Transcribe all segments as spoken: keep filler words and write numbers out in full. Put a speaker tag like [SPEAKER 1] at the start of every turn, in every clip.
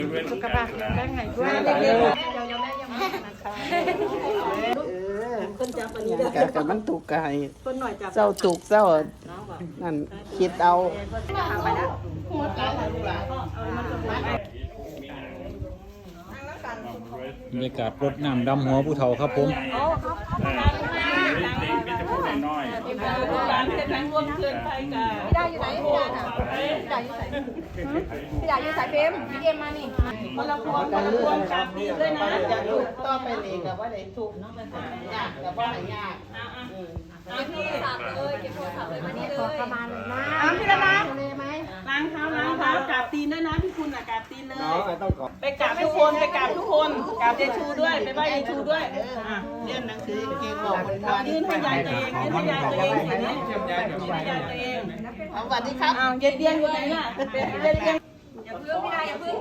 [SPEAKER 1] สุขภาพแข็งแรงให้ด้วยเด็กๆเดี๋ยวแม่ยังไม่นะคะคนจับอันนี้ได้แต่มันถูกกายคนหน่อยจับเจ้าถูกเจ้านั่นคิดเอา
[SPEAKER 2] บรรยากาศรดน้ำดำหัวผู้เฒ่าครับผม
[SPEAKER 3] พี่ดาอยู่ไหนพี่ดาน่ะพี่ดาอยู่ไหนพี่ดาอยู่สายเฟมพี่เอ็มมานี่คนละพวงคนละพวงกราบดีด้วยนะ
[SPEAKER 1] จะถูกต่อไปนี่กับว่าได้ถูกยากกับว่าหายาก
[SPEAKER 3] เก็บโทรศัพท์เลยเก็บโทรศัพท์เลยมานี่เลยประมาณนะ
[SPEAKER 4] พี่ละนะล้างเท้าล้างเท้ากราบตีนด้วยนะพี่คุณอ่ะกราบตีนเลยไปกราบทุกคนไปกราบทุกคนกราบยายชูด้วยไปไหว้ยายชูด้วย
[SPEAKER 1] เรียนหนังสือเก่งบอกคนว่า
[SPEAKER 4] ยื่นให้ยายตัวเองยื่นให้ยายตัวเองสิเนี่ยยื่นให้ยายตัวเอง
[SPEAKER 1] สวัสดีครับ
[SPEAKER 4] อ้าวยายเตียงอยู่ไหนน่ะยายเตียง
[SPEAKER 3] อย่าเพิ่งพี่ดาอย่าเพิ่ง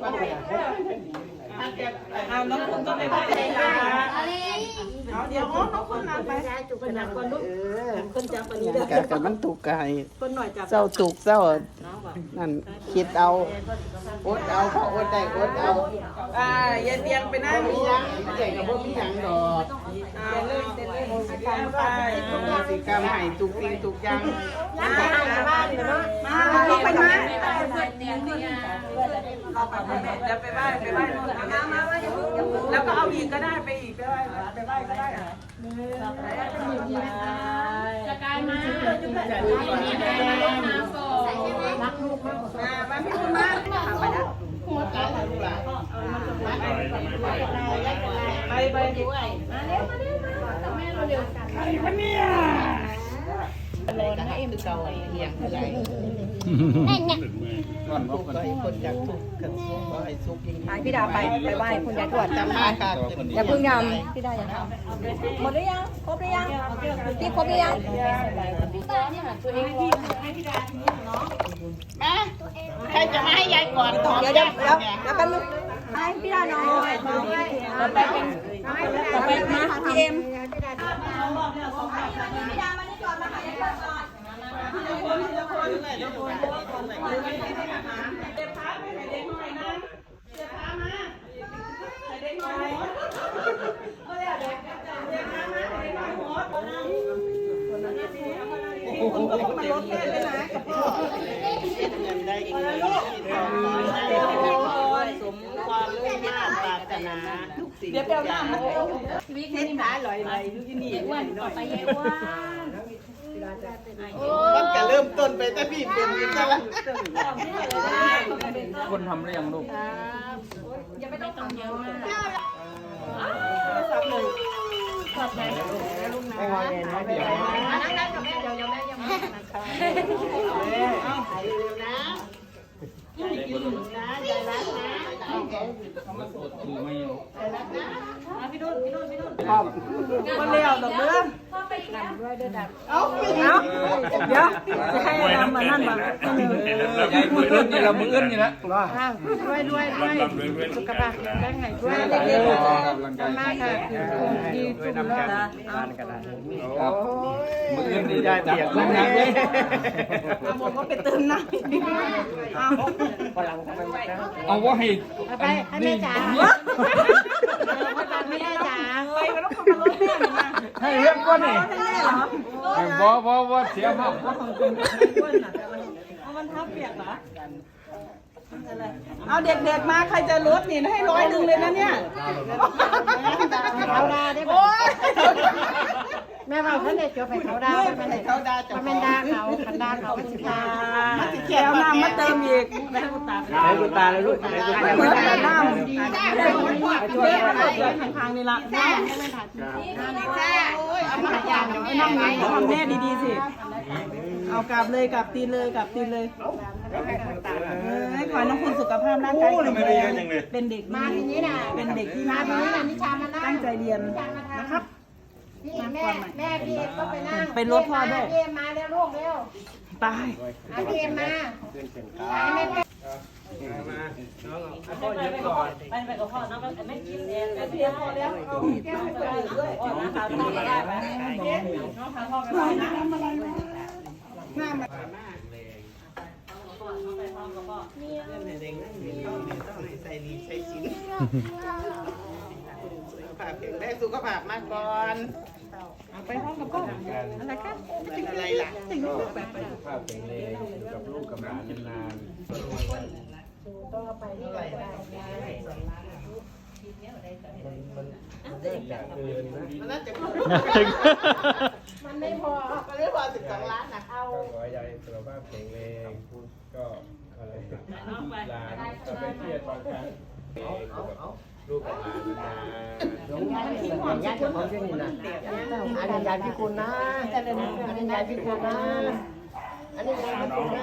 [SPEAKER 4] อ้าวน้องคุณก็ไปไหว้ยายค่ะเอาเดี๋ยวน้องคุณนำไป
[SPEAKER 1] จุกขนาดคนลุกคนจับอันนี้ได้แต่มันถูกกายคนหน่อยจับเจ้าถูกเจ้านั่นคิดเอาอดเอาเขาอดได้อดเอา
[SPEAKER 4] อ่ายายเตียงไปนั่ง
[SPEAKER 1] มียังใหญ่กับพวกมียังดอก
[SPEAKER 4] อ่าเล่นเล่นโมสิกรรมไป
[SPEAKER 1] สิกรรมให้ถูกจริงถูกยัง
[SPEAKER 4] มาบ้านเนาะมาไปมาจะไปไหว้ไปไหว้นู่นมามาว่าแล้วก็เอาอีกก็ได้ไปอีกไปไหว้ไปไหว้ก็ได้
[SPEAKER 3] จะกลายมารักลูกมาก
[SPEAKER 4] มามาพี่คุณมาไปนะไปไปด้วย
[SPEAKER 3] มาเร็วมาเร็วมาแม่เราเร็วกัน
[SPEAKER 4] ใครวะเนี่ย
[SPEAKER 1] รอนะเอ็มเก่าเหี่ยงอะไรถูกก็คนอยากถูกกันก็ให้สุกยิ่ง
[SPEAKER 3] พี่ดาไปไปไหว้คุณยายทวด
[SPEAKER 1] จำมาค่ะ
[SPEAKER 3] อย่าเพิ่งยำพี่ดาอย่าทำหมดหรือยังครบหรือยังพี่ครบหรือยังตัวเองพี่ให้พี่ดาทีนี้เนาะ
[SPEAKER 1] มาใครจะมาให้ยายก่อน
[SPEAKER 3] เดี๋ยวเดี๋ยวเดี๋ยวเดี๋ยวแป๊บนึงให้พี่ดาน้องต่อไปเป็นต่อไปมาพี่เอ็มพี่ดามานี่ก่อนมาหายายก่อน
[SPEAKER 4] ทีละคนทีละคนเลยทีละคนทีละคนเลยเด็กพักให้เด็กหน่อยนะเด็กพักมาให้เด็กหน่อยก็เด็กเด็กเด็กพักมาให้เด็กหน่อยหัวพี่คุณก็ต้องมาลดแค่เลยนะกับพ่อ
[SPEAKER 1] เงินได้อีกเลยสมความมุ่งมั่นปรารถนาทุกสิ่ง
[SPEAKER 4] เดี๋ยวเปล่าหน้ามัน
[SPEAKER 1] เส้นขาลอยๆดูที่นี่
[SPEAKER 3] อ้วนต่อไปเยอ้วน
[SPEAKER 1] มันจะเริ่มต้นไปแต่พี่เป็นกันซะละ
[SPEAKER 2] คนทำได้ยังลูก
[SPEAKER 3] ยังไม่ต้องทำเยอะมาก
[SPEAKER 1] สับเลย
[SPEAKER 3] สับไหน
[SPEAKER 1] ลูกนะนั่งนั่งกับแม่เดี๋ยวแม่ยังไม่นะคะเอาเร็วนะกินนะอย่ารักนะ
[SPEAKER 4] พี่นุ่นพี่นุ่นพี่นุ่นคนเลี้ยวดอกเบี้ยเอาเอาเดี๋ยวจะให้ทำมานั่นบ้าง
[SPEAKER 2] ยายมือเอื้อนนี่เรามือเอื้อนนี่ละ
[SPEAKER 1] ด้วยด้วยด้วยสุขภาพแข็งแรงให้ด้วยเด็กๆมากค่ะดีทุกเรื่องนะ
[SPEAKER 2] มือเอื้อนนี่ได้เปียกน้ำน้ำเลย
[SPEAKER 4] เอาหมดก็ไปเติมน้ำเอา
[SPEAKER 2] เอาว่าให้
[SPEAKER 1] ไปให้แม่จ๋าไม่ได้จ๋า
[SPEAKER 4] ไปก็ต้องขับรถแม่หนูมา
[SPEAKER 2] ให้เรื่องก้อนนี่บ่บ่บ่เสียภาพ
[SPEAKER 4] เอามันทับเปียกเหรอเอาเด็กๆมาใครจะลดนี่ให้ร้อยหนึ่งเลยนะเนี่ย
[SPEAKER 1] เขาดาได้ไหมแม่ว่าเขาเด็กจะไปเขาดาไปไหนเขาดาจะเป็นดาเขาคันดาเขาก็สิบา
[SPEAKER 4] เขียวน้ำมาเติมอีกแม่กุตา
[SPEAKER 2] แม่กุตาเลยลูกแม่กุตา
[SPEAKER 4] เหมือนแต่น้ำดีช่วยกันเลยทางๆนี่ละน้ำเอามาอย่างเดี๋ยวให้น้องนี่ทำแม่ดีๆสิเอากลับเลยกลับตีนเลยกลับตีนเลยให้ขอน้องคุณสุขภาพร่างกายแข็งแรงเป็นเด็ก
[SPEAKER 1] มาทีนี้นะ
[SPEAKER 4] เป็นเด็กที่
[SPEAKER 1] มาทีนี้นะนิชามานั่ง
[SPEAKER 4] ตั้งใจเรียนนะครับ
[SPEAKER 1] พี่แม่แม่พี่ก็ไปนั่ง
[SPEAKER 4] เป็นรถพ่อด้วย
[SPEAKER 1] พี่มาเร็วลูกเร็ว
[SPEAKER 4] ตาย
[SPEAKER 1] พี่มา
[SPEAKER 4] พ่อเยอะก่อนไปไปกับพ่อนะไม่กินเองไปเพียงพอแล้วเอาแก้วให้คนอื่นด้วยน้องทานพ่อก็ได้ไหมน้องทานพ่อก็ได้นะทำอะไรมาหน้ามาไปพร้อมกับพ่อ
[SPEAKER 1] เรื่องเด็กๆมีต้องมีต้องให้ใส่ดีใส่ชิ้นสุขภาพแข็งแรงสุขภาพมากก่อนเอาไปห้องกับพ่ออะไรกันเป็นอะไรล่ะ
[SPEAKER 2] สุขภาพแข็งแรงอยู่กับลูกกับหลานนาน
[SPEAKER 1] มันน่าจะมันไม่พอมันไม่พอสิบสองล้านนะเอา
[SPEAKER 2] ก็ขอให้ยายสุขภาพแข็งแรงก็อะไรหลานก็ไปเที่ยวตอนกลางลูกกับหลานนาน
[SPEAKER 1] อันนี้ยายของเรื่องนี้นะอันนี้ยายพิคุณนะอันนี้ยายพิคุณนะอันนี้ยายพิคุณนะ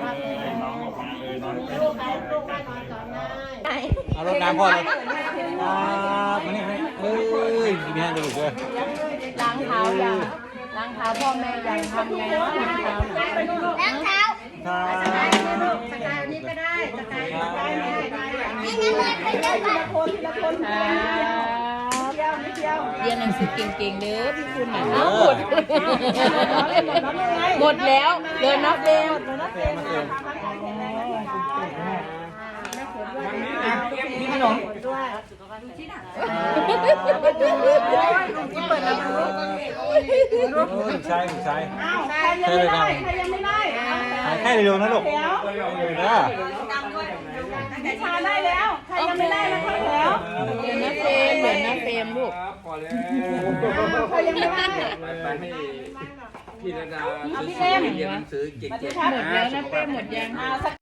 [SPEAKER 1] ลูกไปลูกไปนอนก่อนนะ
[SPEAKER 5] เอารถน้ำพ่อเลยครับมานี่มานี่เอ้ยมีแห้งกระดูกเลย
[SPEAKER 3] ล้างเท้าอย่างล้างเท้าพ่อแม่อย่างทำไงเนาะล้างเท้าล้างเท้า
[SPEAKER 5] ครับ
[SPEAKER 3] สกายนี่ก็ได้สกายสกายนี่ก็ได้ไม่งั้นเลยไปเจอกันคนทีละคนเที่ยวไม่เที่ยวเรียนหนังสือเก่งๆเด้อพี่คุณน่ะหมดหมดแล้วเดินนับเร็ว
[SPEAKER 5] มีขนม
[SPEAKER 3] เปิดแล้วลูก
[SPEAKER 5] ถูกใช่ถูกใช่
[SPEAKER 4] อ้าวใครยังไม่ได้ใครยังไม่ได้
[SPEAKER 5] หายแค่เร็วๆนะลูก
[SPEAKER 4] แถว
[SPEAKER 5] เร็วนะ
[SPEAKER 4] นิชาได้แล้วใครยังไม่ได้แล้วเข้าแถว
[SPEAKER 3] เดี๋ยวนะเฟรมเดี๋ยวนะเฟรมลูก
[SPEAKER 2] พอแล้ว
[SPEAKER 4] ใครยังไม่ได้
[SPEAKER 2] ไปให้พี่ระดา
[SPEAKER 4] เอาพี่เอ็ม
[SPEAKER 2] เรียนหนังสือเก่งๆ
[SPEAKER 3] หมดแล้วนะเฟรมหมดยัง
[SPEAKER 4] อ่า